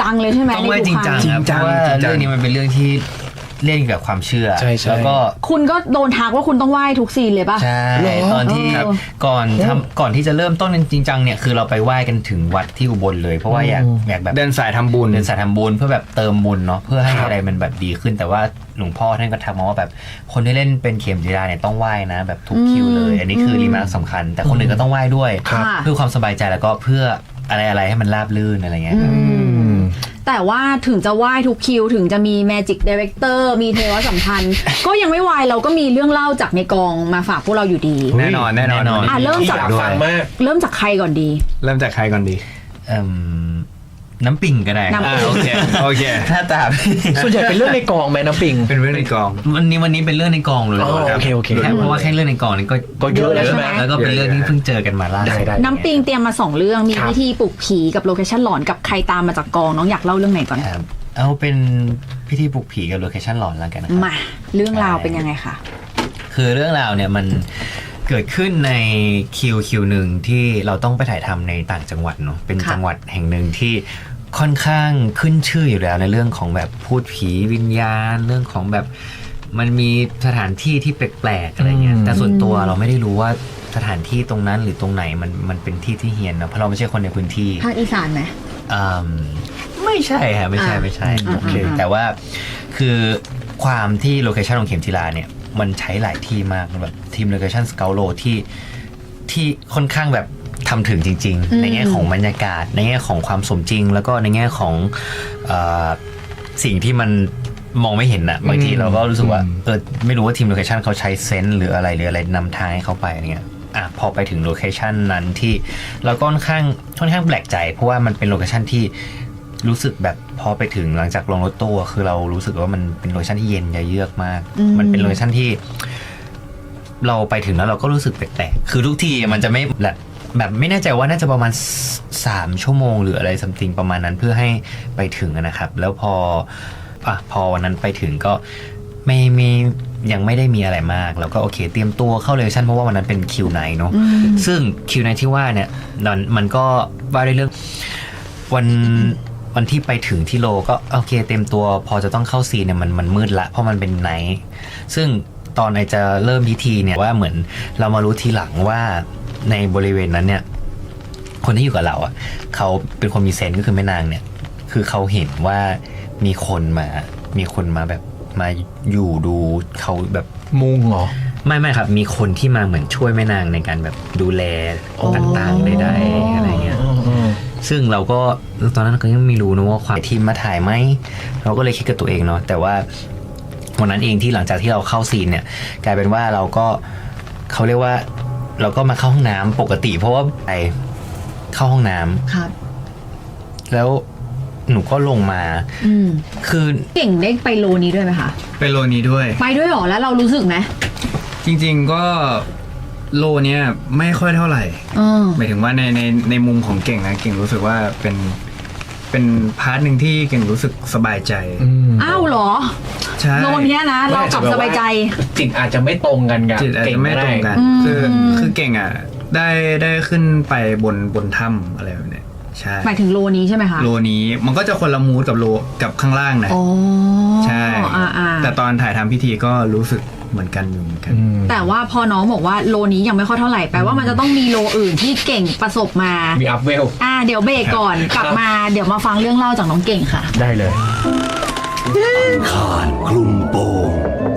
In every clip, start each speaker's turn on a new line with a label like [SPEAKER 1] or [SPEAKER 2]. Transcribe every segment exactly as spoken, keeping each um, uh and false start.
[SPEAKER 1] จังเลยใช่ไหม
[SPEAKER 2] ต้องไหว้จริงจังครับเพราะว่าเรื่องนี้มันเป็นเรื่องที่เล่นกับความเชื่อแล้วก็
[SPEAKER 1] คุณก็โดนทักว่าคุณต้องไหว้ทุกซีนเลยป่ะ
[SPEAKER 2] ใช่ตอนที่ก่อนทำก่อนที่จะเริ่มต้นจริงจังเนี่ยคือเราไปไหว้กันถึงวัดที่อุบลเลยเพราะว่าอยากอยากแบบ
[SPEAKER 3] เดินสายทำบุญ
[SPEAKER 2] เดินสายทำบุญเพื่อแบบเติมบุญเนาะเพื่อให้อะไรมันแบบดีขึ้นแต่ว่าหลวงพ่อท่านก็ทักมาว่าแบบคนที่เล่นเป็นเข็มจีราเนี่ยต้องไหว้นะแบบทุกคิวเลยอันนี้คือรีมาร์คสำคัญแต่คนอื่นก็ต้องไหว้ด้วยเพื่อความสบายใจแล้วก็เพื่ออะไรอะไรให้มันราบรื่นอะไรเงี้ย
[SPEAKER 1] แต่ว่าถึงจะไหว้ทุกคิวถึงจะมี Magic Director มีเทวสัมพันธ์ ก็ยังไม่ไหวเราก็มีเรื่องเล่าจากในกองมาฝากพวกเราอยู่ดี
[SPEAKER 3] แน่นอนแน่นอน
[SPEAKER 1] อ่ะเริ่มจาก
[SPEAKER 3] ฟังมาก
[SPEAKER 1] เริ่มจากใครก่อนดี
[SPEAKER 3] เริ่มจากใครก่อนดี
[SPEAKER 2] น้ำปิงก็ได้
[SPEAKER 3] โอเคโอเค
[SPEAKER 2] ถ้าตาม
[SPEAKER 4] ส่วนใหญ่เป็นเรื่องในกองไหมน้ำปิง
[SPEAKER 3] เป็นเรื่องในกอง
[SPEAKER 2] วันนี้วันนี้เป็นเรื่องในกองเลย
[SPEAKER 4] โอเคโอเค
[SPEAKER 2] เพราะว่าแค่เรื่องในกองนี่ก็
[SPEAKER 4] ก็เยอะแล้วใช่ไหม
[SPEAKER 2] แล้วก็เป็นเรื่องที่เพิ่งเจอกันมาล่าสุด
[SPEAKER 1] น้ำปิงเตรียมมาสองเรื่องมีวิธีปลุกผีกับโลเคชั่นหลอนกับใครตามมาจากกองน้องอยากเล่าเรื่องไหนก่อน
[SPEAKER 2] เอาเป็นพิธีปลุกผีกับโลเคชั่นหลอนแล้วกันนะครับ
[SPEAKER 1] มาเรื่องราวเป็นยังไงคะ
[SPEAKER 2] คือเรื่องราวเนี่ยมันเกิดขึ้นในคิวคิวหนึ่งที่เราต้องไปถ่ายทำในต่างจังหวัดเนาะเป็นจังหวัดแห่งหนึ่งที่ค่อนข้างขึ้นชื่ออยู่แล้วในเรื่องของแบบพูดผีวิญญาณเรื่องของแบบมันมีสถานที่ที่แปลกๆอะไรเงี้ยแต่ส่วนตัวเราไม่ได้รู้ว่าสถานที่ตรงนั้นหรือตรงไหนมันมันเป็นที่ที่เฮียนนะเพราะเราไม่ใช่คนในพื้นที่
[SPEAKER 1] ภาคอีสานไหม
[SPEAKER 2] ไม่ใช่ค่ะไม่ใช่ไม่ใช่โอเคแต่ว่าคือความที่โลเคชั่นของเข็มจีราเนี่ยมันใช้หลายที่มากแบบทีมโลเคชั่นสเกลโลที่ที่ค่อนข้างแบบทำถึงจริงๆในแง่ของบรรยากาศในแง่ของความสมจริงแล้วก็ในแง่ของเอ่อสิ่งที่มันมองไม่เห็นอะบางทีเราก็รู้สึกว่าเออไม่รู้ว่าทีมโลเคชั่นเขาใช้เซนส์หรืออะไรหรืออะไรนำทางให้เขาไปอะไรเงี้ยอ่ะพอไปถึงโลเคชั่นนั้นที่เราก็ค่อนข้างค่อนข้างแปลกใจเพราะว่ามันเป็นโลเคชั่นที่รู้สึกแบบพอไปถึงหลังจากลงรถตู้คือเรารู้สึกว่ามันเป็นโลเคชั่นที่เย็นเยือกมากมันเป็นโลเคชั่นที่เราไปถึงแล้วเราก็รู้สึกแปลกๆคือทุกทีมันจะไม่แบบแบบไม่แน่ใจว่าน่าจะประมาณสามชั่วโมงหรืออะไรซัมติงประมาณนั้นเพื่อให้ไปถึงนะครับแล้วพออ่ะพอวันนั้นไปถึงก็ไม่มียังไม่ได้มีอะไรมากแล้วก็โอเคเตรียมตัวเข้าเลชั่นเพราะว่าวันนั้นเป็นคิวไนท์เนาะซึ่งคิวไนท์ที่ว่าเนี่ยมันก็ว่าด้วยเรื่องวันวันที่ไปถึงที่โลก็โอเคเต็มตัวพอจะต้องเข้าซีนเนี่ยมันมันมืดละเพราะมันเป็นไนท์ซึ่งตอนไอจะเริ่มพิธีเนี่ยว่าเหมือนเรามารู้ทีหลังว่าในบริเวณนั้นเนี่ยคนที่อยู่กับเราอ่ะเขาเป็นคนมีเซนส์ก็คือแม่นางเนี่ยคือเขาเห็นว่ามีคนมามีคนมาแบบมาอยู่ดูเขาแบบ
[SPEAKER 4] มุงเหรอ
[SPEAKER 2] ไม่ไม่ครับมีคนที่มาเหมือนช่วยแม่นางในการแบบดูแลต่างๆใดๆอะไรเงี้ยซึ่งเราก็ตอนนั้นก็ยังไม่รู้นะว่าความทีมมาถ่ายไหมเราก็เลยคิดกับตัวเองเนาะแต่ว่าวันนั้นเองที่หลังจากที่เราเข้าซีนเนี่ยกลายเป็นว่าเราก็เขาเรียกว่าเราก็มาเข้าห้องน้ำปกติเพราะว่าไปเข้าห้องน้ำครับแล้วหนูก็ลงมาคือ
[SPEAKER 1] เก่งได้ไปโลนี้ด้วยไหมคะ
[SPEAKER 3] ไปโลนี้ด้วย
[SPEAKER 1] ไปด้วยหรอแล้วเรารู้สึกไหม
[SPEAKER 3] จริงๆก็โลเนี้ยไม่ค่อยเท่าไหร่หมายถึงว่าในในในมุมของเก่งนะเก่งรู้สึกว่าเป็นเป็นพาร์ทหนึ่งที่เก่งรู้สึกสบายใจ
[SPEAKER 1] อ้าวเหรอ
[SPEAKER 3] ใช่
[SPEAKER 1] โลเนี้ยนะเรากลับสบายใจ
[SPEAKER 4] จิตอาจจะไม่ตรงกันกับ
[SPEAKER 3] จิตอาจจะไม่ตรงกันคือคือเก่งอ่ะได้ได้ขึ้นไปบนบนถ้ำอะไรแบบเนี้ยใช่
[SPEAKER 1] หมายถึงโลนี้ใช่ไหมคะ
[SPEAKER 3] โลนี้มันก็จะคนละมูดกับโลกับข้างล่างนะใช่แต่ตอนถ่ายทำพิธีก็รู้สึกเหมือนกันอยู่เหมือนกัน
[SPEAKER 1] แต่ว่าพอน้องบอกว่าโลนี้ยังไม่ค่อยเท่าไหร่แปลว่ามันจะต้องมีโลอื่นที่เก่งประสบมา
[SPEAKER 4] มีอัพเวล
[SPEAKER 1] อ่าเดี๋ยวเบรกก่อนกลับมาเดี๋ยวมาฟังเรื่องเล่าจากน้องเก่งค่ะ
[SPEAKER 4] ได้เลย
[SPEAKER 5] คานคลุมโปง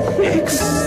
[SPEAKER 5] X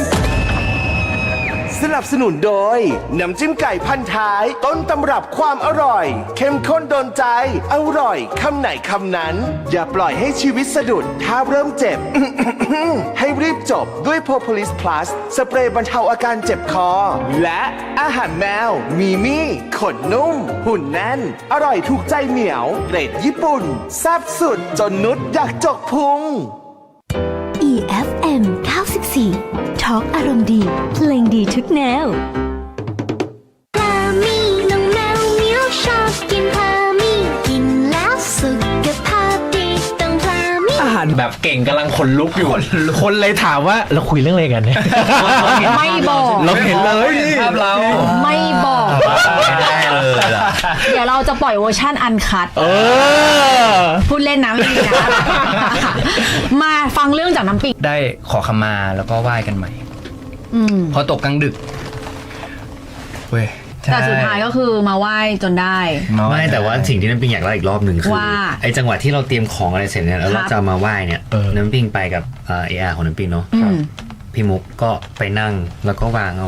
[SPEAKER 5] สนับสนุนโดยน้ำจิ้มไก่พันท้ายต้นตำรับความอร่อยเข้มข้นโดนใจอร่อยคำไหนคำนั้นอย่าปล่อยให้ชีวิตสะดุดถ้าเริ่มเจ็บ ให้รีบจบด้วย Propolis Plus สเปรย์บรรเทาอาการเจ็บคอและอาหารแมวมีมี่ขนนุ่มหุ่นแน่นอร่อยถูกใจเหมียวเกรดญี่ปุ่นแซ่บสุดจนนุชอยากจกพุง
[SPEAKER 6] อี เอฟ เอ็ม เก้าสิบสี่ ทอล์กอารมณ์ดีเพลงดีทุกแนวพามีน้องแมวเหมียวชอบกินพามีกินแล้วสุขภาพดีต้องพามี
[SPEAKER 5] อาหาร
[SPEAKER 4] านแบบเก่งกำลังขนลุกอยู่ คนเลยถามว่าเราคุยเรื่องอะไรกันเนี่ย
[SPEAKER 1] ไม่บอก
[SPEAKER 4] เราเห็นเลยภาพเรา
[SPEAKER 1] ไม่บอก
[SPEAKER 2] ไม่ได้เลยล่ะ
[SPEAKER 1] เดี๋ยวเราจะปล่อยเวอร์ชั่นอันคัด
[SPEAKER 4] เออ
[SPEAKER 1] พูดเล่นนะไม่มีนะ มาฟังเรื่องจากน้ำปิง
[SPEAKER 3] ได้ขอขมาแล้วก็ไหว้กันใหม่
[SPEAKER 1] อืม
[SPEAKER 3] พอตกกลางดึกเว้ย
[SPEAKER 1] แต่สุดท้ายก็คือมาไหว้จนได้
[SPEAKER 3] าหว้
[SPEAKER 2] ไม่แต่ว่าสิ่งที่น้ำปิงอยากเล่าอีกรอบหนึ่งคือ
[SPEAKER 1] ว่า
[SPEAKER 2] ไอ้จังหวะที่เราเตรียมของอะไรเสร็จเนี่ยแล้ว
[SPEAKER 1] ครั
[SPEAKER 2] เรา
[SPEAKER 1] บ
[SPEAKER 2] จะมาไหว้เนี่ย
[SPEAKER 4] เออ
[SPEAKER 2] น้ำปิงไปกับเออาร์ของน้ำปิงเนาะ
[SPEAKER 1] อืม
[SPEAKER 2] พี่มุกก็ไปนั่งแล้วก็วางเอา